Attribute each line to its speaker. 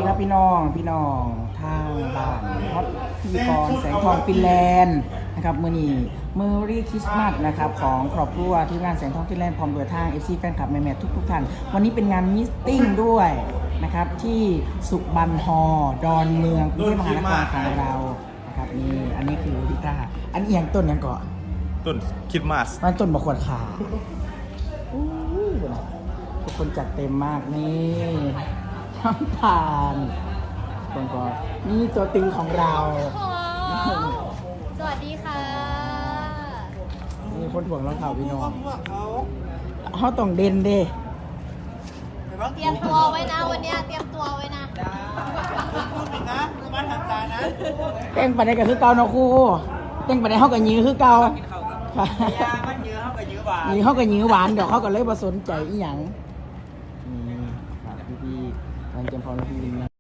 Speaker 1: ครับพี่น้องทางบ้านฮอตพิธีกรแสงทองฟินแลนด์นะครับมื้อนี้เมอรี่คริสต์มาสนะครับของครอบครัวที่งานแสงทองฟินแลนด์พร้อมโดยทาง FC แฟนคลับแม่ๆทุกท่านวันนี้เป็นงานมิสติ้งด้วยนะครับที่สุบันฮอดอนเมืองกรุงเทพมหานครของเรานะครับนี่อันนี้คือพิต้าอันนี้อย่างต้นยังก่อน
Speaker 2: ต้นคริดมาส
Speaker 1: มันต้นบะขวดขาอู้หูทุกคนจัดเต็มมากนี่น้ำตาลคนก็นี่ตัวตึงของเรา
Speaker 3: สวัสดีค่ะ
Speaker 1: นี่คนถ่วงรองเท้าพี่น้องเขาต้องเด่นเด้
Speaker 3: เตรียมตัวไว้นะวันเนี้ยเตรียมตัวไว้นะ
Speaker 1: เต้งไปในกับคือเก่าเนาะครูเต้งไปในเขากับยื้อคือเก่าค่ะ
Speaker 4: มันเยอะเขาก็เยอะหวาน
Speaker 1: นี่เขากับยื้อหวานเดี๋ยวเขาก็เลยมาสนใจอีหยังนี่ครับพี่ๆการเตรียมพร้อมพี่ๆนะ